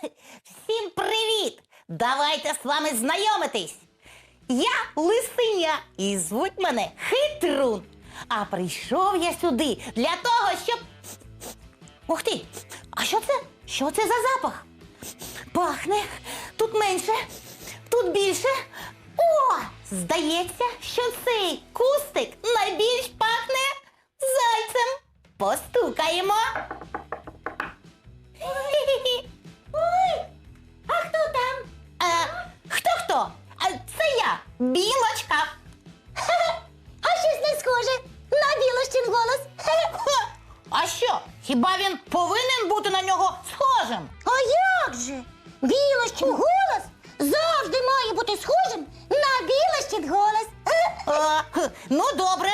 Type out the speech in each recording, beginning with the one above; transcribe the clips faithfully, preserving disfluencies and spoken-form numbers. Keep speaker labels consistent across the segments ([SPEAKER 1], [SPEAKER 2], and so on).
[SPEAKER 1] Всім привіт! Давайте з вами знайомитись. Я Лисеня і звуть мене Хитрун. А прийшов я сюди для того, щоб... Ух ти! А що це? Що це за запах? Пахне. Тут менше, тут більше. О! Здається, що цей кустик найбільш пахне зайцем. Постукаємо. Ой, а хто там? А, хто-хто? А, це я, Білочка.
[SPEAKER 2] А щось не схоже на Білощин голос.
[SPEAKER 1] Ха, а що, хіба він повинен бути на нього схожим?
[SPEAKER 2] А як же? Білощин голос завжди має бути схожим на Білощин голос.
[SPEAKER 1] А, хм, ну, добре.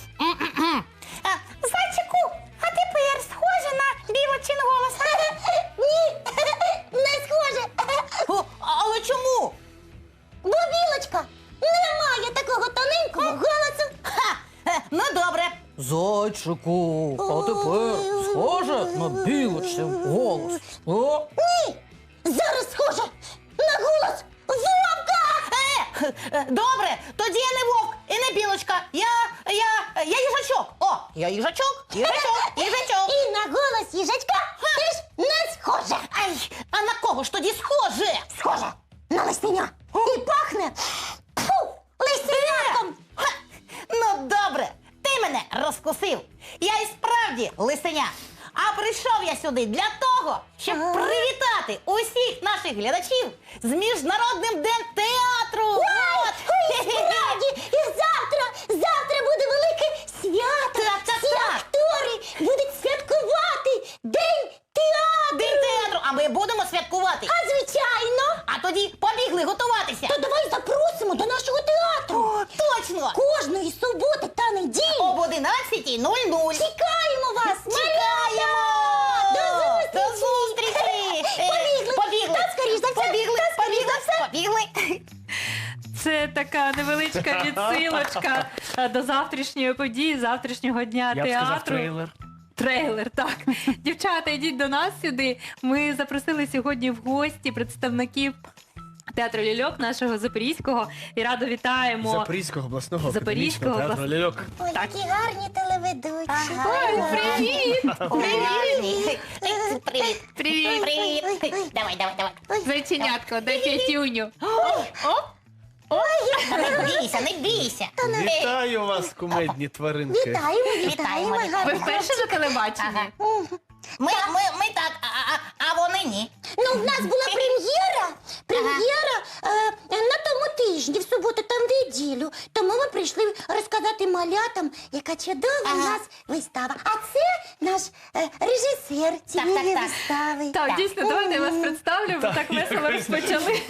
[SPEAKER 1] А, зайчику, а тепер схоже на Білочин голос?
[SPEAKER 2] Ні, не схоже.
[SPEAKER 1] О, але чому?
[SPEAKER 2] Бо Білочка не має такого тоненького голосу.
[SPEAKER 1] Ха, е, ну, добре. Зайчику, а тепер схоже на Білочин голос. О?
[SPEAKER 2] Ні, зараз схоже на голос вовка.
[SPEAKER 1] Е, е, добре, тоді я не вовк і не білочка. Я, я, я їжачок. О, я їжачок, їжачок, їжачок.
[SPEAKER 2] І на голос їжачка теж не схоже.
[SPEAKER 1] Ай, а на кого ж тоді схоже?
[SPEAKER 2] Схоже на лисеня. І пахне фу, лисеняком.
[SPEAKER 1] Ха, ну, добре, ти мене розкусив. Я і справді лисеня. А прийшов я сюди для того, щоб
[SPEAKER 2] Ага.
[SPEAKER 1] привітати усіх наших глядачів з Міжнародним днем театру. От.
[SPEAKER 2] Ой, справді, і завтра, завтра буде велике свято.
[SPEAKER 1] Так, так,
[SPEAKER 2] Всі
[SPEAKER 1] так.
[SPEAKER 2] актори будуть святкувати День театру.
[SPEAKER 1] День театру, а ми будемо святкувати.
[SPEAKER 2] А звичайно.
[SPEAKER 1] А тоді побігли готуватися.
[SPEAKER 2] То давай запросимо до нашого театру.
[SPEAKER 1] О, точно!
[SPEAKER 2] Кожної суботи та неділі.
[SPEAKER 1] Об одинадцятій нуль нуль.
[SPEAKER 2] Чекаємо вас.
[SPEAKER 1] Чекаємо!
[SPEAKER 2] До зустрічі!
[SPEAKER 1] До зустрічі! Е,
[SPEAKER 2] Побігли.
[SPEAKER 1] Побігли!
[SPEAKER 2] Та скоріш за все,
[SPEAKER 1] Побігли!
[SPEAKER 2] та скоріш
[SPEAKER 1] Побігли!
[SPEAKER 2] за все.
[SPEAKER 1] Побігли!
[SPEAKER 3] Це така невеличка відсилочка е, до завтрашньої події, завтрашнього дня
[SPEAKER 4] Я б сказав
[SPEAKER 3] театру.
[SPEAKER 4] трейлер.
[SPEAKER 3] Трейлер, так. Дівчата, йдіть до нас сюди. Ми запросили сьогодні в гості представників театру «Ляльок» нашого Запорізького. І радо вітаємо.
[SPEAKER 4] Запорізького обласного
[SPEAKER 3] Запорізького
[SPEAKER 4] академічного театру
[SPEAKER 3] облас-
[SPEAKER 4] «Ляльок».
[SPEAKER 2] Ой,
[SPEAKER 3] Так.
[SPEAKER 2] які гарні телеведучі.
[SPEAKER 1] Ага.
[SPEAKER 3] Ой, привіт!
[SPEAKER 1] Привіт! Привіт!
[SPEAKER 3] Привіт!
[SPEAKER 1] Привіт! Давай, давай, давай.
[SPEAKER 3] Зайченятко, дай п'ятюню.
[SPEAKER 1] Та не бійся, не бійся.
[SPEAKER 4] Вітаю вас, кумедні тваринки.
[SPEAKER 2] Вітаємо,
[SPEAKER 1] Вітаємо,
[SPEAKER 2] вітаємо.
[SPEAKER 1] вітаємо.
[SPEAKER 3] Ви
[SPEAKER 2] гарні
[SPEAKER 3] вперше на телебаченні?
[SPEAKER 1] Ага. Ми, ми, ми так, а, а, а вони ні.
[SPEAKER 2] Ну, в нас була прем'єра, прем'єра е, на тому тижні, в суботу та в неділю. Тому ми прийшли розказати малятам, яка чудова у
[SPEAKER 1] Ага.
[SPEAKER 2] нас вистава. А це наш е, режисер цієї
[SPEAKER 1] так.
[SPEAKER 2] вистави.
[SPEAKER 3] Так, дійсно, давайте я вас представлю, ви
[SPEAKER 4] Так,
[SPEAKER 3] так
[SPEAKER 4] я
[SPEAKER 3] весело
[SPEAKER 4] розумію.
[SPEAKER 3] розпочали.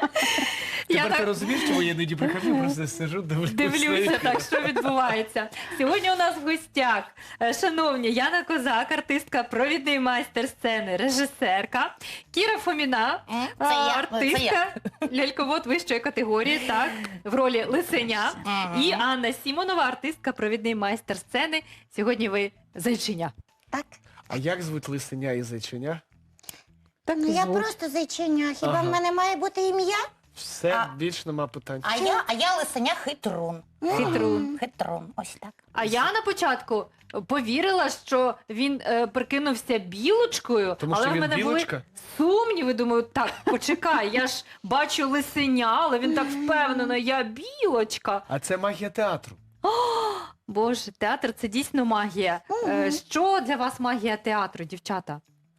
[SPEAKER 3] Я
[SPEAKER 4] Тепер ти
[SPEAKER 3] так
[SPEAKER 4] розумієш, чому я іноді прихожу, просто сижу, дивлюся.
[SPEAKER 3] дивлюся, так, що відбувається. Сьогодні у нас в гостях, е, шановні, Яна Козак, артистка, провідний майстер сцени, режисерка, Кіра Фоміна,
[SPEAKER 1] М,
[SPEAKER 3] а,
[SPEAKER 1] це я, це
[SPEAKER 3] артистка, ляльковод вищої категорії, так, в ролі Лисеня,
[SPEAKER 1] Мгм.
[SPEAKER 3] і Анна Сімонова, артистка, провідний майстер сцени. Сьогодні ви зайчиня.
[SPEAKER 2] Так.
[SPEAKER 4] А як звуть лисеня і зайчиня?
[SPEAKER 3] Так
[SPEAKER 2] Ну, я просто зайчиня. Хіба
[SPEAKER 4] Ага.
[SPEAKER 2] в мене має бути ім'я?
[SPEAKER 4] Все,
[SPEAKER 1] А-
[SPEAKER 4] більш нема питань.
[SPEAKER 1] А я, а я лисеня Хитрун.
[SPEAKER 3] Хитрун.
[SPEAKER 1] Хитрун, ось так.
[SPEAKER 3] А я на початку повірила, що він е, прикинувся білочкою,
[SPEAKER 4] Тому
[SPEAKER 3] але
[SPEAKER 4] що
[SPEAKER 3] в
[SPEAKER 4] він
[SPEAKER 3] мене
[SPEAKER 4] білочка?
[SPEAKER 3] були сумніви. Думаю, так, почекай, я ж бачу лисеня, але він так впевнено, я білочка.
[SPEAKER 4] А це магія театру.
[SPEAKER 3] Боже, театр це дійсно магія. Е, що для вас магія театру, дівчата?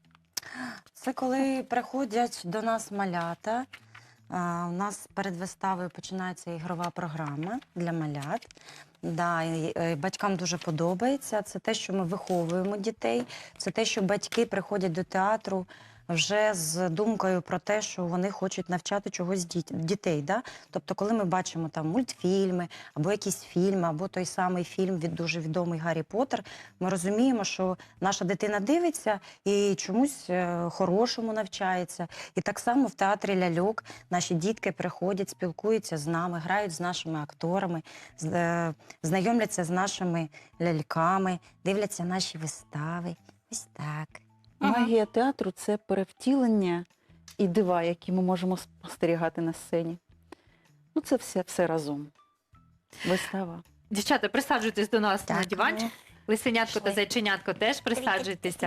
[SPEAKER 5] Це коли приходять до нас малята. А, у нас перед виставою починається ігрова програма для малят. Да, і, е, батькам дуже подобається. Це те, що ми виховуємо дітей. Це те, що батьки приходять до театру вже з думкою про те, що вони хочуть навчати чогось діт- дітей. Да? Тобто, коли ми бачимо там мультфільми, або якісь фільми, або той самий фільм від дуже відомий Гаррі Поттер, ми розуміємо, що наша дитина дивиться і чомусь е, хорошому навчається. І так само в театрі «Ляльок» наші дітки приходять, спілкуються з нами, грають з нашими акторами, з- е, знайомляться з нашими ляльками, дивляться наші вистави. Ось так.
[SPEAKER 6] Магія театру – це перевтілення і дива, які ми можемо спостерігати на сцені. Ну, це все, все разом. Вистава.
[SPEAKER 3] Дівчата, присаджуйтесь до нас на
[SPEAKER 2] Так,
[SPEAKER 3] диванчик. Лисенятко та
[SPEAKER 2] Пішли.
[SPEAKER 3] зайченятко теж присаджуйтеся.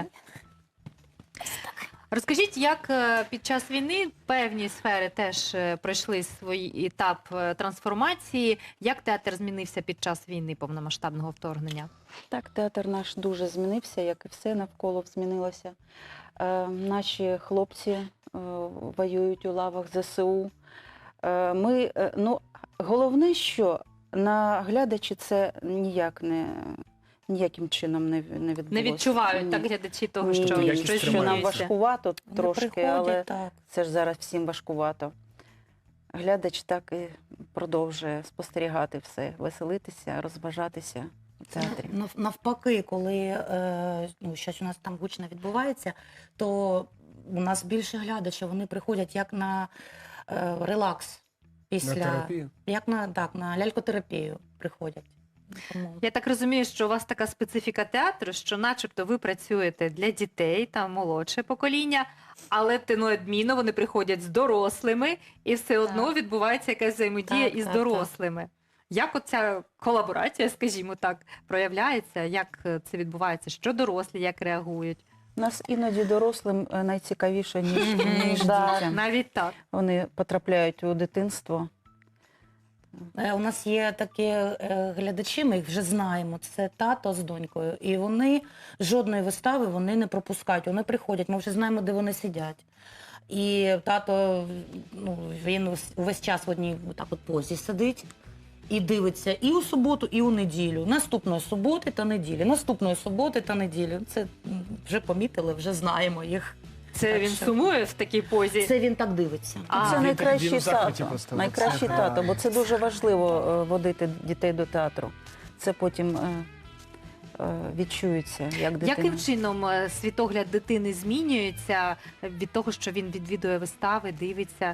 [SPEAKER 3] Розкажіть, як е, під час війни певні сфери теж е, пройшли свій етап е, трансформації. Як театр змінився під час війни повномасштабного вторгнення?
[SPEAKER 6] Так, театр наш дуже змінився, як і все навколо змінилося. Е, наші хлопці е, воюють у лавах ЗСУ. Е, ми, е, ну, головне, що на глядачі це ніяк не, ніяким чином не, не відбулося.
[SPEAKER 3] Не відчувають
[SPEAKER 6] Ні.
[SPEAKER 3] так глядачі того,
[SPEAKER 6] Ні,
[SPEAKER 3] що
[SPEAKER 6] ні,
[SPEAKER 4] якість
[SPEAKER 3] щось
[SPEAKER 6] що нам
[SPEAKER 4] тримається.
[SPEAKER 3] змінюється?
[SPEAKER 6] важкувато
[SPEAKER 5] Вони
[SPEAKER 6] трошки,
[SPEAKER 5] приходять,
[SPEAKER 6] але
[SPEAKER 5] так.
[SPEAKER 6] це ж зараз всім важкувато. Глядач так і продовжує спостерігати все, веселитися, розважатися в театрі.
[SPEAKER 1] Нав- Навпаки, коли е, ну, щось у нас там гучно відбувається, то у нас більше глядачів, вони приходять як на е, релакс після.
[SPEAKER 4] На терапію.
[SPEAKER 1] Як на, так, на лялькотерапію приходять. Тому...
[SPEAKER 3] Я так розумію, що у вас така специфіка театру, що начебто ви працюєте для дітей та молодше покоління, але неодмінно вони приходять з дорослими, і все одно відбувається якась взаємодія
[SPEAKER 1] Так,
[SPEAKER 3] із
[SPEAKER 1] так,
[SPEAKER 3] дорослими. Як оця колаборація, скажімо так, проявляється? Як е, це відбувається? Що дорослі, як реагують?
[SPEAKER 6] Нас іноді дорослим е, найцікавіше, ніж,
[SPEAKER 3] Мгм.
[SPEAKER 6] ніж
[SPEAKER 3] Да,
[SPEAKER 6] дітям.
[SPEAKER 3] навіть так.
[SPEAKER 6] Вони потрапляють у дитинство.
[SPEAKER 1] Е, У нас є такі е, глядачі, ми їх вже знаємо. Це тато з донькою. І вони жодної вистави вони не пропускають. Вони приходять, ми вже знаємо, де вони сидять. І тато, ну, він ус- увесь час в одній так от позі сидить і дивиться і у суботу, і у неділю. Наступної суботи та неділі. Наступної суботи та неділі. Це м, вже помітили, вже знаємо їх.
[SPEAKER 3] Це
[SPEAKER 1] Так
[SPEAKER 3] він
[SPEAKER 1] що-
[SPEAKER 3] сумує в такій позі.
[SPEAKER 1] Це він так дивиться.
[SPEAKER 3] А,
[SPEAKER 6] це
[SPEAKER 4] він
[SPEAKER 6] найкращий
[SPEAKER 4] так- він у захваті
[SPEAKER 6] тато.
[SPEAKER 4] просто.
[SPEAKER 6] Найкращий
[SPEAKER 4] Це
[SPEAKER 6] тато, бо
[SPEAKER 4] правильно.
[SPEAKER 6] це дуже важливо е, водити дітей до театру. Це потім е, е, відчується, як дитина.
[SPEAKER 3] Яким чином е, світогляд дитини змінюється від того, що він відвідує вистави, дивиться?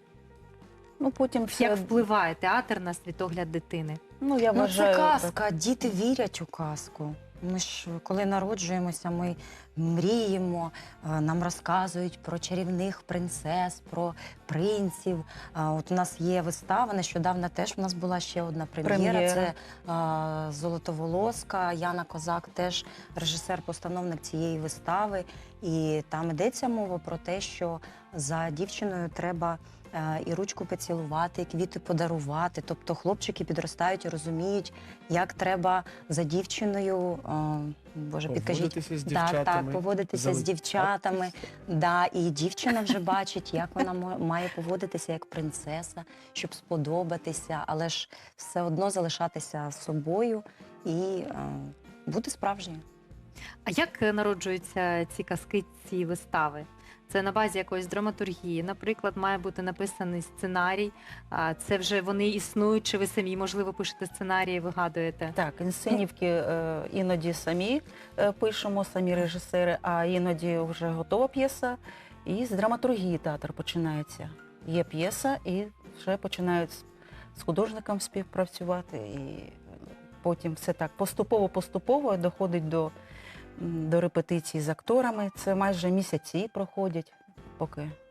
[SPEAKER 6] Ну, потім все,
[SPEAKER 3] Як впливає театр на світогляд дитини?
[SPEAKER 6] ну, я
[SPEAKER 5] Ну,
[SPEAKER 6] вважаю,
[SPEAKER 5] це
[SPEAKER 6] так.
[SPEAKER 5] казка, діти вірять у казку. Ми ж, коли народжуємося, ми мріємо, е, нам розказують про чарівних принцес, про принців. А От у нас є вистава, нещодавно теж у нас була ще одна прем'єра.
[SPEAKER 6] Прем'єра.
[SPEAKER 5] Це е, Золотоволоска, Яна Козак, теж режисер-постановник цієї вистави. І там йдеться мова про те, що за дівчиною треба е, і ручку поцілувати, і квіти подарувати. Тобто хлопчики підростають і розуміють, як треба за дівчиною, е, боже, підкажіть,
[SPEAKER 4] Поводитися з
[SPEAKER 5] так,
[SPEAKER 4] дівчатами.
[SPEAKER 5] так, поводитися з
[SPEAKER 4] Зали-
[SPEAKER 5] дівчатами. Да, і дівчина вже бачить, як вона мо- має поводитися як принцеса, щоб сподобатися, але ж все одно залишатися собою і е, бути справжньою.
[SPEAKER 3] А як е, народжуються ці казки, ці вистави? Це на базі якоїсь драматургії. Наприклад, має бути написаний сценарій. А це вже вони існують, чи ви самі, можливо, пишете сценарії, вигадуєте?
[SPEAKER 6] Так, інсценівки е, іноді самі е, пишемо, самі режисери, а іноді вже готова п'єса, і з драматургії театр починається. Є п'єса, і вже починають з, з художником співпрацювати, і потім все так поступово-поступово доходить до, м, до репетицій з акторами. Це майже місяці проходять, поки. е,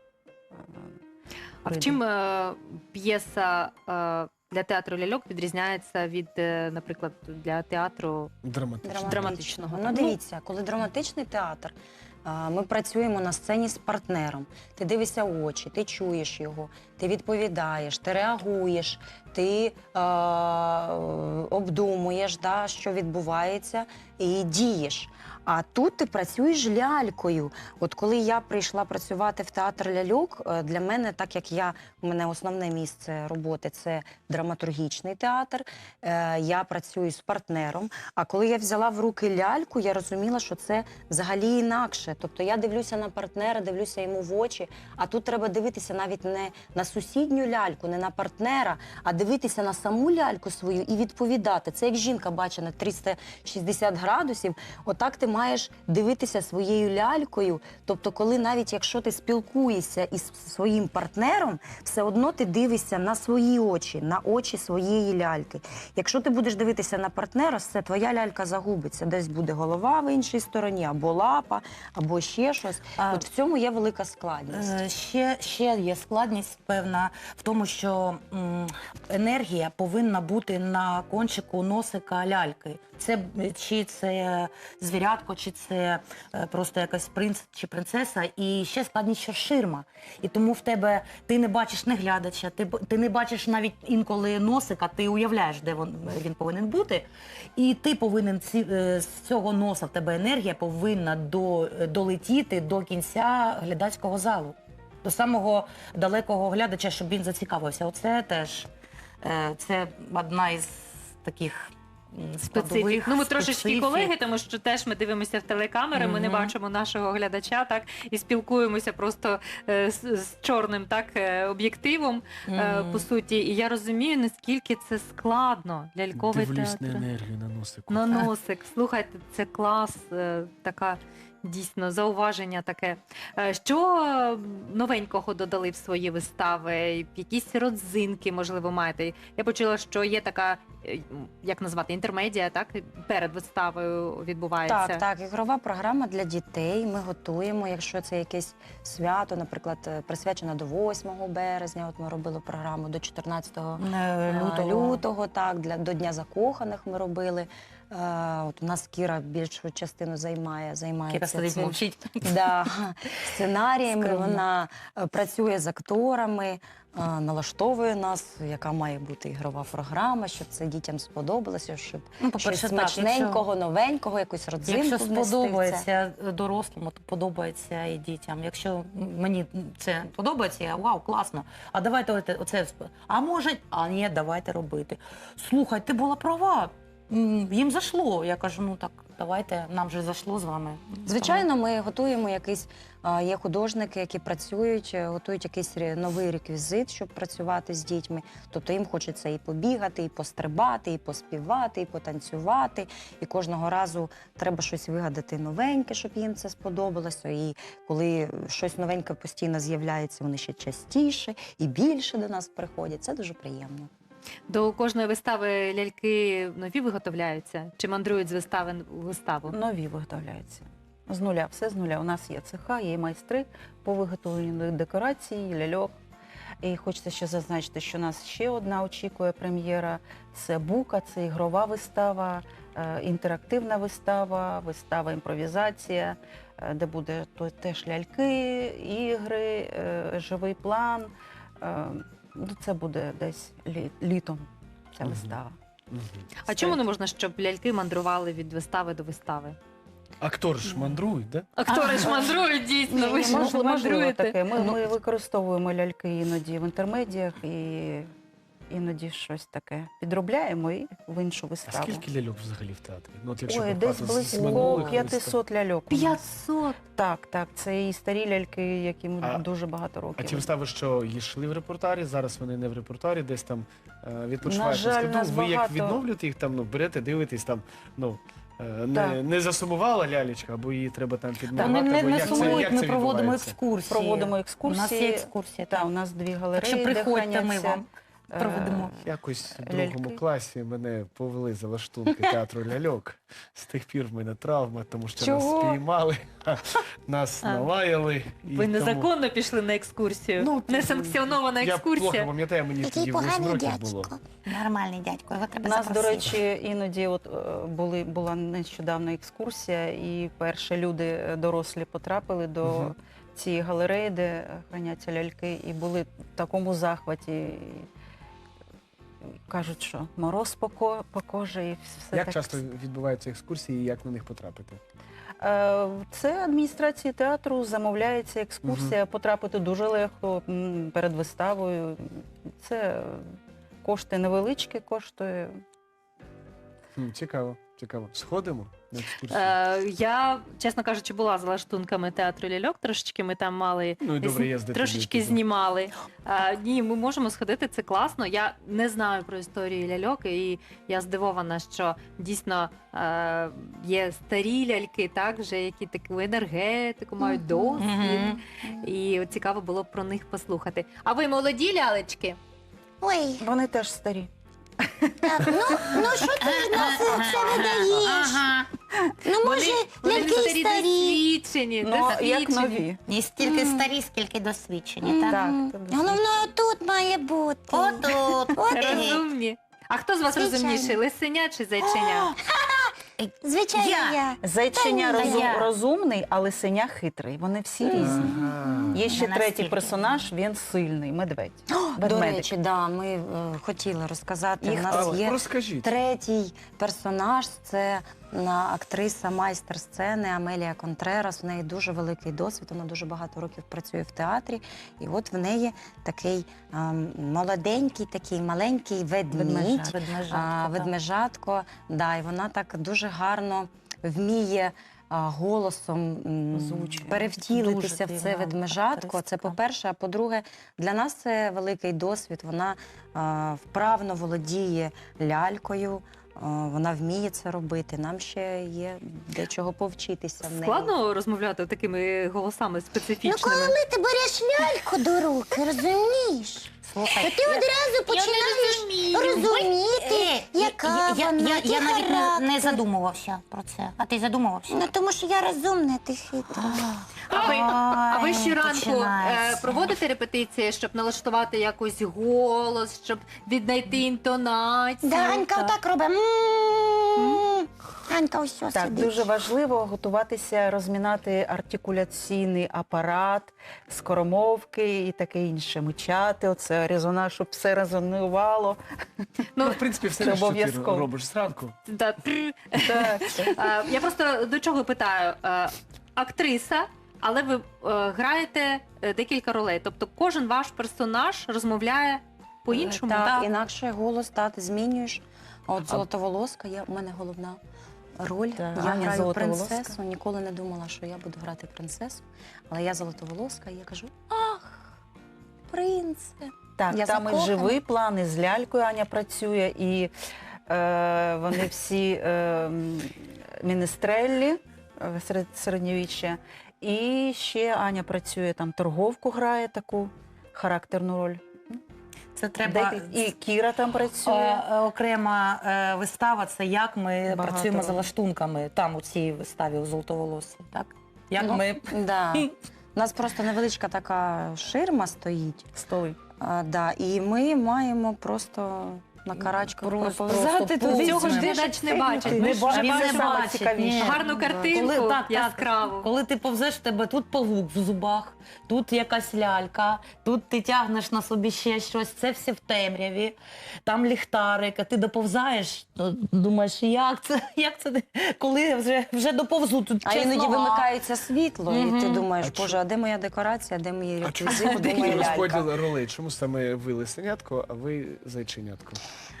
[SPEAKER 3] А в
[SPEAKER 6] прийде.
[SPEAKER 3] чим е, п'єса е, для театру ляльок відрізняється від, е, наприклад, для театру?
[SPEAKER 4] Драматично.
[SPEAKER 3] Драматичного,
[SPEAKER 5] Ну,
[SPEAKER 3] так.
[SPEAKER 5] дивіться, коли драматичний театр, а, ми працюємо на сцені з партнером. Ти дивишся в очі, ти чуєш його, ти відповідаєш, ти реагуєш, ти е, обдумуєш, да, що відбувається, і дієш. А тут ти працюєш лялькою. От коли я прийшла працювати в театр ляльок, е, для мене, так як я, у мене основне місце роботи це драматургічний театр, е, я працюю з партнером. А коли я взяла в руки ляльку, я розуміла, що це взагалі інакше. Тобто я дивлюся на партнера, дивлюся йому в очі, а тут треба дивитися навіть не на сусідню ляльку, не на партнера, а дивитися на саму ляльку свою і відповідати. Це як жінка бачить на триста шістдесят градусів. градусів, отак ти маєш дивитися своєю лялькою. Тобто, коли навіть якщо ти спілкуєшся із своїм партнером, все одно ти дивишся на свої очі, на очі своєї ляльки. Якщо ти будеш дивитися на партнера, все, твоя лялька загубиться. Десь буде голова в іншій стороні, або лапа, або ще щось.
[SPEAKER 1] А-
[SPEAKER 5] От в цьому є велика складність.
[SPEAKER 1] Е, Ще, ще є складність певна в тому, що м, енергія повинна бути на кончику носика ляльки. Це б- чи це звірятко, чи це е, просто якась принц чи принцеса. І ще складність, що ширма. І тому в тебе ти не бачиш не глядача, ти, б- ти не бачиш навіть інколи носика, ти уявляєш, де він, він повинен бути. І ти повинен ці, е, з цього носа в тебе енергія повинна до, долетіти до кінця глядацького залу, до самого далекого глядача, щоб він зацікавився. Оце теж е, це одна із таких м,
[SPEAKER 3] Специфік.
[SPEAKER 1] складових
[SPEAKER 3] Ну, ми трошечки
[SPEAKER 1] специфік.
[SPEAKER 3] колеги, тому що теж ми дивимося в телекамери, ми не
[SPEAKER 1] Мгм.
[SPEAKER 3] бачимо нашого глядача, так, і спілкуємося просто е, з, з чорним так, е, об'єктивом, е,
[SPEAKER 1] Мгм.
[SPEAKER 3] по суті. І я розумію, наскільки це складно. Ляльковий
[SPEAKER 4] Дивлюсь
[SPEAKER 3] театр.
[SPEAKER 4] на енергію на носику.
[SPEAKER 3] На носик. Слухайте, це клас, е, така дійсно зауваження таке. Е, Що е, новенького додали в свої вистави? Якісь родзинки, можливо, маєте? Я почула, що є така, е, як назвати, інтермедія, так? Перед виставою відбувається.
[SPEAKER 5] Так, так, ігрова програма для дітей. Ми готуємо, якщо це якесь свято, наприклад, е, присвячено до восьмого березня. От ми робили програму до чотирнадцятого
[SPEAKER 1] Е,
[SPEAKER 5] лютого. лютого, так, для до Дня закоханих ми робили. Е, от у нас Кіра більшу частину займає, займається
[SPEAKER 1] Кіра сидить,
[SPEAKER 5] цим.
[SPEAKER 1] мовчить.
[SPEAKER 5] Да, сценаріями.
[SPEAKER 1] Скромно.
[SPEAKER 5] Вона е, працює з акторами, е, налаштовує нас, яка має бути ігрова програма, щоб це дітям сподобалося, щоб
[SPEAKER 1] Ну,
[SPEAKER 5] щось
[SPEAKER 1] по-перше, так,
[SPEAKER 5] смачненького, новенького, якусь родзинку
[SPEAKER 1] Якщо
[SPEAKER 5] внести в це.
[SPEAKER 1] сподобається дорослому, то подобається і дітям. Якщо мені це подобається, я вау, класно. А давайте оце, оце сп- а може, а ні, давайте робити. Слухай, ти була права. М, Їм зашло. Я кажу, ну так, давайте, нам же зашло з вами.
[SPEAKER 5] Звичайно, ми готуємо якийсь, а, є художники, які працюють, е, готують якийсь ре- новий реквізит, щоб працювати з дітьми. Тобто їм хочеться і побігати, і пострибати, і поспівати, і потанцювати. І кожного разу треба щось вигадати новеньке, щоб їм це сподобалося. І коли щось новеньке постійно з'являється, вони ще частіше і більше до нас приходять. Це дуже приємно.
[SPEAKER 3] До кожної вистави ляльки нові виготовляються? Чи мандрують з вистави у виставу?
[SPEAKER 6] Нові виготовляються. З нуля, все з нуля. У нас є цеха, є майстри по виготовленню декорацій, ляльок. І хочеться ще зазначити, що нас ще одна очікує прем'єра. Це Бука, це ігрова вистава, е, інтерактивна вистава, вистава імпровізація, е, де буде то- теж ляльки, ігри, е, живий план. Е, ну, Це буде десь лі- літом ця
[SPEAKER 4] Мгм.
[SPEAKER 6] вистава.
[SPEAKER 4] Мгм.
[SPEAKER 3] А чому не можна, щоб ляльки мандрували від вистави до вистави?
[SPEAKER 4] Актори ж мандрують, да?
[SPEAKER 3] Актори ж мандрують, дійсно, ви ж
[SPEAKER 6] Можливо, можливо
[SPEAKER 3] мандруєте.
[SPEAKER 6] таке. Ми,
[SPEAKER 4] Ну,
[SPEAKER 6] ми використовуємо ляльки іноді в інтермедіях і іноді щось таке підробляємо і в іншу
[SPEAKER 4] А
[SPEAKER 6] виставу.
[SPEAKER 4] скільки ляльок взагалі в театрі? Ну, от якщо
[SPEAKER 6] Ой,
[SPEAKER 4] порахувати
[SPEAKER 6] десь
[SPEAKER 4] з- з
[SPEAKER 6] близько
[SPEAKER 4] минулих вистав.
[SPEAKER 6] п'ятсот ляльок. у нас.
[SPEAKER 3] п'ятсот!
[SPEAKER 6] Так, так. Це і старі ляльки, яким
[SPEAKER 4] А-
[SPEAKER 6] дуже багато
[SPEAKER 4] А
[SPEAKER 6] років.
[SPEAKER 4] ті вистави, що йшли в репертуарі, зараз вони не в репертуарі, десь там е, відпочивають
[SPEAKER 6] На жаль,
[SPEAKER 4] складу.
[SPEAKER 6] нас
[SPEAKER 4] Ви як
[SPEAKER 6] багато-
[SPEAKER 4] відновлюєте їх там, ну, берете, дивитесь там, ну, е, не,
[SPEAKER 6] Так.
[SPEAKER 4] не засумувала лялечка, або її треба там
[SPEAKER 1] Та
[SPEAKER 4] підмагати,
[SPEAKER 1] Вони не,
[SPEAKER 4] або
[SPEAKER 1] не
[SPEAKER 4] як це,
[SPEAKER 1] сумують,
[SPEAKER 4] як
[SPEAKER 1] ми
[SPEAKER 4] це
[SPEAKER 1] проводимо
[SPEAKER 4] відбувається?
[SPEAKER 1] екскурсії.
[SPEAKER 6] Проводимо
[SPEAKER 1] У нас
[SPEAKER 6] екскурсії.
[SPEAKER 1] є екскурсія.
[SPEAKER 6] Та,
[SPEAKER 1] так.
[SPEAKER 6] у нас дві
[SPEAKER 1] Так
[SPEAKER 6] галереї,
[SPEAKER 1] що
[SPEAKER 6] де
[SPEAKER 1] приходьте, ми
[SPEAKER 6] храняться,
[SPEAKER 1] вам
[SPEAKER 6] е,
[SPEAKER 1] проведемо.
[SPEAKER 4] Якось в
[SPEAKER 6] Ляльки.
[SPEAKER 4] другому класі мене повели за лаштунки театру ляльок. З тих пір в мене травма, тому що
[SPEAKER 5] Чого?
[SPEAKER 4] нас спіймали, нас
[SPEAKER 3] А.
[SPEAKER 4] налаяли. і
[SPEAKER 3] Ви
[SPEAKER 4] тому-
[SPEAKER 3] незаконно пішли на екскурсію.
[SPEAKER 4] Ну,
[SPEAKER 3] Несанкціонована
[SPEAKER 4] Я плохо
[SPEAKER 3] екскурсія.
[SPEAKER 4] пам'ятаю, мені
[SPEAKER 2] Який
[SPEAKER 4] тоді восьм
[SPEAKER 2] поганий
[SPEAKER 4] років було.
[SPEAKER 2] дядько.
[SPEAKER 1] Нормальний дядько, його
[SPEAKER 6] У
[SPEAKER 1] треба
[SPEAKER 6] нас, до
[SPEAKER 1] запросити.
[SPEAKER 6] речі, іноді от е, були була нещодавно екскурсія, і перші люди е, дорослі потрапили до
[SPEAKER 4] Мгм.
[SPEAKER 6] цієї галереї, де е, храняться ляльки, і були в такому захваті. І кажуть, що мороз по, ко- по кожі і все
[SPEAKER 4] Як
[SPEAKER 6] так.
[SPEAKER 4] часто відбуваються екскурсії і як на них потрапити?
[SPEAKER 6] Е, Це адміністрації театру, замовляється екскурсія, потрапити дуже легко м, перед виставою. Це кошти невеличкі, коштує.
[SPEAKER 4] Хм, цікаво, цікаво. Сходимо? на екскурсію?
[SPEAKER 3] Е, я, чесно кажучи, була за лаштунками театру ляльок. Трошечки ми там мали
[SPEAKER 4] Ну і добре їздити.
[SPEAKER 3] трошечки
[SPEAKER 4] туди.
[SPEAKER 3] знімали. Е, ні, ми можемо сходити, це класно. Я не знаю про історію ляльок, і я здивована, що дійсно е, є старі ляльки, так, вже які таку енергетику, мають досвід.
[SPEAKER 1] Мгм.
[SPEAKER 3] І от цікаво було б про них послухати. А ви молоді лялечки?
[SPEAKER 2] Ой,
[SPEAKER 6] Вони теж старі.
[SPEAKER 2] так, ну, ну що ти на це, це видаєш?
[SPEAKER 1] Ага.
[SPEAKER 2] Ну, може,
[SPEAKER 3] вони
[SPEAKER 2] ляльки
[SPEAKER 3] старі
[SPEAKER 2] й старі.
[SPEAKER 3] досвідчені,
[SPEAKER 6] Ну, як
[SPEAKER 3] досвідчені.
[SPEAKER 6] нові.
[SPEAKER 1] І стільки
[SPEAKER 2] Мгм.
[SPEAKER 1] старі, скільки досвідчені, так?
[SPEAKER 6] Так,
[SPEAKER 2] Мгм.
[SPEAKER 6] це досвідчені.
[SPEAKER 2] Головне, тут має бути.
[SPEAKER 1] Отут.
[SPEAKER 2] От і-
[SPEAKER 3] Розумні. А хто з вас
[SPEAKER 2] Звичайно.
[SPEAKER 3] розумніший, лисеня чи зайченя?
[SPEAKER 2] Звичайно,
[SPEAKER 1] Я.
[SPEAKER 2] я.
[SPEAKER 6] Зайченя
[SPEAKER 2] Та ні,
[SPEAKER 6] розум-
[SPEAKER 1] я.
[SPEAKER 6] розумний, а лисеня хитрий. Вони всі різні.
[SPEAKER 4] Ага.
[SPEAKER 6] Є ще
[SPEAKER 1] Не
[SPEAKER 6] третій
[SPEAKER 1] настільки.
[SPEAKER 6] персонаж, він сильний, медведь.
[SPEAKER 5] До
[SPEAKER 6] Ведмедик.
[SPEAKER 5] речі, да, ми е, хотіли розказати.
[SPEAKER 6] Їх
[SPEAKER 5] У нас
[SPEAKER 4] Але
[SPEAKER 5] є
[SPEAKER 4] розкажіть.
[SPEAKER 5] третій персонаж, це на актриса майстер сцени Амелія Контрерас. В неї дуже великий досвід, вона дуже багато років працює в театрі. І от в неї такий ем, молоденький, такий маленький ведмідь, а, ведмежатко. Да, і вона так дуже гарно вміє а, голосом м,
[SPEAKER 6] Озвучує.
[SPEAKER 5] перевтілитися
[SPEAKER 6] Дуже
[SPEAKER 5] в це
[SPEAKER 6] дивна
[SPEAKER 5] ведмежатко. Це
[SPEAKER 6] акторська.
[SPEAKER 5] по-перше. А по-друге, для нас це великий досвід. Вона а, вправно володіє лялькою. а, Вона вміє це робити. Нам ще є де чого повчитися в неї.
[SPEAKER 3] Складно розмовляти такими голосами
[SPEAKER 2] Ну,
[SPEAKER 3] специфічними.
[SPEAKER 2] коли ти береш ляльку до руки, розумієш?
[SPEAKER 1] Слухай,
[SPEAKER 2] То ти одразу починаєш розуміти, яка
[SPEAKER 1] я, я,
[SPEAKER 2] вона,
[SPEAKER 1] я,
[SPEAKER 2] який
[SPEAKER 1] я навіть не, не
[SPEAKER 2] характер.
[SPEAKER 1] задумувався про це. А ти задумувався?
[SPEAKER 2] Ну, тому що я розумна, ти хитра.
[SPEAKER 3] А ви, а ви
[SPEAKER 1] Ой,
[SPEAKER 3] щоранку е,
[SPEAKER 1] починається.
[SPEAKER 3] проводите репетиції, щоб налаштувати якось голос, щоб віднайти інтонацію?
[SPEAKER 2] Да, Анька
[SPEAKER 3] Так.
[SPEAKER 2] отак робить. М. Анька ось ось
[SPEAKER 6] Так,
[SPEAKER 2] сидить.
[SPEAKER 6] дуже важливо готуватися, розмінати артикуляційний апарат, скоромовки і таке інше. Мичати, оце резонанс, щоб все резонувало.
[SPEAKER 4] Ну, в принципі, все,
[SPEAKER 6] Це
[SPEAKER 4] що ти
[SPEAKER 6] обов'язково.
[SPEAKER 4] робиш зранку.
[SPEAKER 3] Да, тррр.
[SPEAKER 6] Так.
[SPEAKER 3] Е, Я просто до чого питаю. Е, Актриса, але ви е, граєте е, декілька ролей. Тобто кожен ваш персонаж розмовляє по-іншому.
[SPEAKER 5] Так,
[SPEAKER 3] так?
[SPEAKER 5] інакше голос та ти змінюєш. А От золотоволоска є у мене головна роль.
[SPEAKER 6] Так,
[SPEAKER 5] Я
[SPEAKER 6] Аня
[SPEAKER 5] граю
[SPEAKER 6] Золотоволоска.
[SPEAKER 5] принцесу. Ніколи не думала, що я буду грати принцесу. Але я золотоволоска, і я кажу: ах, принце.
[SPEAKER 6] Так,
[SPEAKER 5] Я
[SPEAKER 6] там і
[SPEAKER 5] закохана.
[SPEAKER 6] живий план, і з лялькою Аня працює, і е, вони всі е, м, міністреллі е, серед середньовіччя. І ще Аня працює там, торговку грає таку характерну роль.
[SPEAKER 1] Це треба
[SPEAKER 6] Декіль- І Кіра там працює.
[SPEAKER 7] Е, е, Окрема е, вистава це як ми
[SPEAKER 6] Багато
[SPEAKER 7] працюємо за
[SPEAKER 6] ролей.
[SPEAKER 7] лаштунками там у цій виставі у Золотоволоссі, так? Як
[SPEAKER 5] Ну,
[SPEAKER 7] ми
[SPEAKER 5] Да. У нас просто невеличка така ширма стоїть.
[SPEAKER 6] Столи.
[SPEAKER 5] А, да, і ми маємо просто на карачках
[SPEAKER 7] Просто-
[SPEAKER 5] проповзати
[SPEAKER 7] просто
[SPEAKER 5] туди.
[SPEAKER 3] Цього ж
[SPEAKER 7] Це
[SPEAKER 3] глядач не бачить.
[SPEAKER 7] Не
[SPEAKER 3] Ми ж
[SPEAKER 7] ба-
[SPEAKER 3] вже
[SPEAKER 7] він не
[SPEAKER 3] бачимо
[SPEAKER 7] бачить,
[SPEAKER 6] цікавіше.
[SPEAKER 7] ні.
[SPEAKER 3] гарну картинку,
[SPEAKER 7] Коли, так, так,
[SPEAKER 3] яскраву.
[SPEAKER 7] коли ти повзеш, в тебе тут павук в зубах, тут якась лялька, тут ти тягнеш на собі ще щось, це все в темряві, там ліхтарик, а ти доповзаєш, то думаєш, як це, як це, коли вже, вже доповзу, тут
[SPEAKER 5] А
[SPEAKER 7] чесно,
[SPEAKER 5] іноді
[SPEAKER 7] а.
[SPEAKER 5] вимикається світло, і ти
[SPEAKER 7] Мгм.
[SPEAKER 5] думаєш,
[SPEAKER 4] А
[SPEAKER 5] боже, а де моя декорація, де мої
[SPEAKER 4] А чому
[SPEAKER 5] реквізити, де
[SPEAKER 4] такий
[SPEAKER 5] моя лялька?
[SPEAKER 4] розподіл ролей? Чому саме ви лисенятко, а ви зайченятко?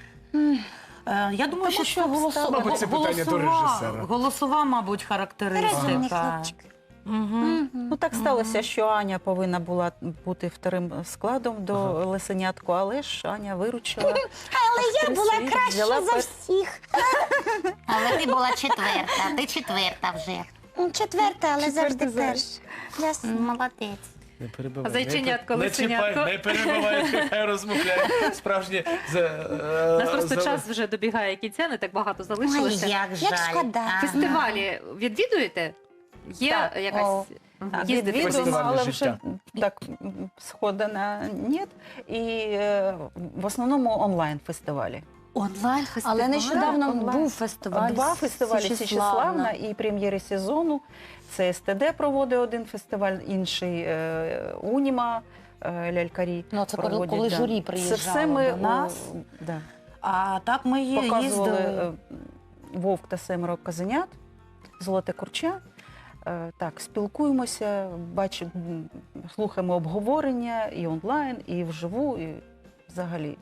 [SPEAKER 7] Е, Я думаю, що, що голосова,
[SPEAKER 4] Мабуть, це питання до
[SPEAKER 7] голосова,
[SPEAKER 4] режисера.
[SPEAKER 7] голосова, мабуть,
[SPEAKER 2] Розумний
[SPEAKER 7] характеристика.
[SPEAKER 2] хлопчик.
[SPEAKER 7] Мгм.
[SPEAKER 6] Ну так сталося, що Аня повинна була бути вторим складом до
[SPEAKER 4] Ага.
[SPEAKER 6] лисенятку, але ж Аня виручила.
[SPEAKER 2] Але я була
[SPEAKER 6] Актриси,
[SPEAKER 2] краща
[SPEAKER 6] взяла
[SPEAKER 2] за
[SPEAKER 6] пер-
[SPEAKER 2] всіх.
[SPEAKER 1] Але ти була четверта, ти четверта вже.
[SPEAKER 2] М, Четверта, але
[SPEAKER 6] Четверта
[SPEAKER 2] завжди
[SPEAKER 6] зараз.
[SPEAKER 2] перша. Ясно.
[SPEAKER 1] Молодець.
[SPEAKER 4] Не перебивай.
[SPEAKER 3] А зайченятко,
[SPEAKER 4] не,
[SPEAKER 3] лисенятко?
[SPEAKER 4] Не чіпай, не перебивай, хай розмовляє. Справжнє за, е,
[SPEAKER 3] У нас просто
[SPEAKER 4] за-
[SPEAKER 3] час вже добігає кінця, не так багато
[SPEAKER 1] Ой,
[SPEAKER 3] залишилося.
[SPEAKER 1] як жаль.
[SPEAKER 2] Як шкода.
[SPEAKER 1] Ага.
[SPEAKER 3] Фестивалі відвідуєте? Є
[SPEAKER 6] Так.
[SPEAKER 3] якась
[SPEAKER 5] О,
[SPEAKER 3] Мгм.
[SPEAKER 6] Так,
[SPEAKER 3] їздите?
[SPEAKER 6] відвідуємо,
[SPEAKER 4] Фестивальне
[SPEAKER 6] але вже
[SPEAKER 4] життя.
[SPEAKER 6] так м, схода на нет. І е, в основному онлайн-фестивалі.
[SPEAKER 3] Онлайн фестиваль.
[SPEAKER 5] Але нещодавно
[SPEAKER 6] онлайн.
[SPEAKER 5] був фестиваль
[SPEAKER 6] Два фестивалі Січеславна і прем'єри сезону. Це СТД проводить один фестиваль, інший е, Уніма, е, лялькарі.
[SPEAKER 7] Ну, це коли,
[SPEAKER 6] проводять,
[SPEAKER 7] коли
[SPEAKER 6] да.
[SPEAKER 7] журі
[SPEAKER 6] Це
[SPEAKER 7] приїжджало
[SPEAKER 6] все ми
[SPEAKER 7] до нас.
[SPEAKER 6] о, да,
[SPEAKER 7] А так ми є-
[SPEAKER 6] показували
[SPEAKER 7] їздили.
[SPEAKER 6] е, Вовк та семеро козенят, Золоте курча. Е, Так, спілкуємося, бачимо, м, слухаємо обговорення і онлайн, і вживу, і взагалі.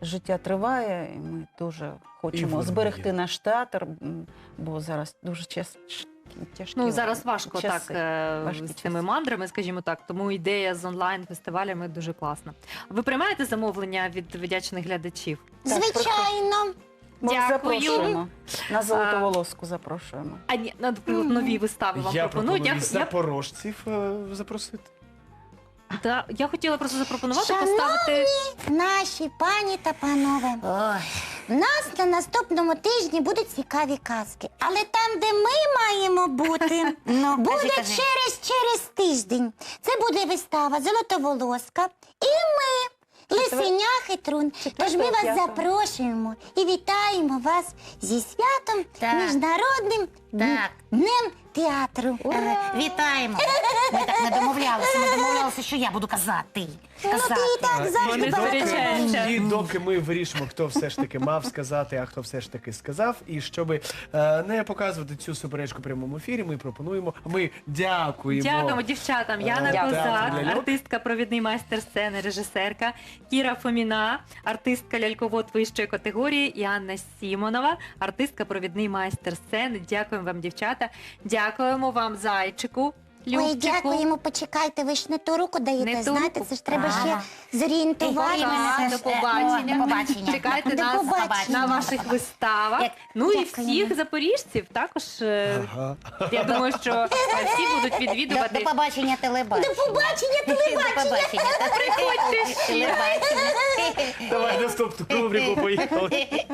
[SPEAKER 6] життя триває, і ми дуже хочемо
[SPEAKER 4] воно
[SPEAKER 6] зберегти
[SPEAKER 4] є.
[SPEAKER 6] наш театр, м, бо зараз дуже час, тяжкі
[SPEAKER 3] Ну зараз важко
[SPEAKER 6] часи,
[SPEAKER 3] так е,
[SPEAKER 6] важкі
[SPEAKER 3] з цими
[SPEAKER 6] часи.
[SPEAKER 3] мандрами, скажімо так. Тому ідея з онлайн-фестивалями дуже класна. Ви приймаєте замовлення від вдячних глядачів?
[SPEAKER 6] Так,
[SPEAKER 2] Звичайно.
[SPEAKER 6] Ми
[SPEAKER 3] Дякую.
[SPEAKER 6] запрошуємо. На золотоволоску запрошуємо.
[SPEAKER 3] А ні, наприклад, нові вистави вам
[SPEAKER 4] Я
[SPEAKER 3] пропонують.
[SPEAKER 4] пропоную
[SPEAKER 3] Я, я,
[SPEAKER 4] запорожців е, запросити.
[SPEAKER 3] да, я хотіла просто запропонувати
[SPEAKER 2] Шановні
[SPEAKER 3] поставити.
[SPEAKER 2] Наші пані та панове,
[SPEAKER 1] Ой,
[SPEAKER 2] в нас на наступному тижні будуть цікаві казки. Але там, де ми маємо бути,
[SPEAKER 1] ну,
[SPEAKER 2] буде
[SPEAKER 1] кажи, кажи.
[SPEAKER 2] через через тиждень. Це буде вистава Золотоволоска. І ми, Лисеня Хитрун. Тож ми вас
[SPEAKER 6] п'ятого.
[SPEAKER 2] запрошуємо і вітаємо вас зі святом
[SPEAKER 1] Так.
[SPEAKER 2] Міжнародним
[SPEAKER 1] Так.
[SPEAKER 2] днем театру.
[SPEAKER 1] Е, Вітаємо. Ми так не домовлялися. Ми домовлялися, що я буду казати.
[SPEAKER 2] Ну
[SPEAKER 1] Казати.
[SPEAKER 2] ти і так
[SPEAKER 3] Вони
[SPEAKER 2] завжди багато
[SPEAKER 3] сперечаються.
[SPEAKER 2] говориш.
[SPEAKER 4] І доки ми вирішимо, хто все ж таки мав сказати, а хто все ж таки сказав, і щоб е, не показувати цю суперечку в прямому ефірі, ми пропонуємо, ми дякуємо.
[SPEAKER 3] Дякуємо дівчатам. Яна
[SPEAKER 4] Дякую.
[SPEAKER 3] Козак,
[SPEAKER 4] Ляльок.
[SPEAKER 3] артистка, провідний майстер сцени, режисерка, Кіра Фоміна, артистка ляльковод вищої категорії, і Анна Сімонова, артистка, провідний майстер сцени. Дякуємо вам, дівчата. Дякуємо вам, зайчику.
[SPEAKER 2] Ой,
[SPEAKER 3] Любчику.
[SPEAKER 2] дякуємо, почекайте, ви ж не ту руку даєте,
[SPEAKER 3] Не ту
[SPEAKER 2] знаєте,
[SPEAKER 3] руку.
[SPEAKER 2] це ж треба
[SPEAKER 1] Ага.
[SPEAKER 2] ще зорієнтувати.
[SPEAKER 3] Пока,
[SPEAKER 2] мене.
[SPEAKER 3] до
[SPEAKER 1] О,
[SPEAKER 3] побачення.
[SPEAKER 1] до побачення.
[SPEAKER 3] Чекайте
[SPEAKER 2] До
[SPEAKER 3] нас
[SPEAKER 2] побачення.
[SPEAKER 3] на ваших виставах.
[SPEAKER 1] Як-
[SPEAKER 3] Ну і
[SPEAKER 2] Дякуємо.
[SPEAKER 3] всіх запоріжців також. е,
[SPEAKER 4] Ага.
[SPEAKER 3] Я думаю, що е, всі будуть
[SPEAKER 1] До,
[SPEAKER 3] відвідувати.
[SPEAKER 1] до побачення телебачення.
[SPEAKER 2] До побачення,
[SPEAKER 1] До
[SPEAKER 2] телебачення.
[SPEAKER 1] побачення. Та приходьте ще.
[SPEAKER 4] Давай наступну рубрику, поїхали.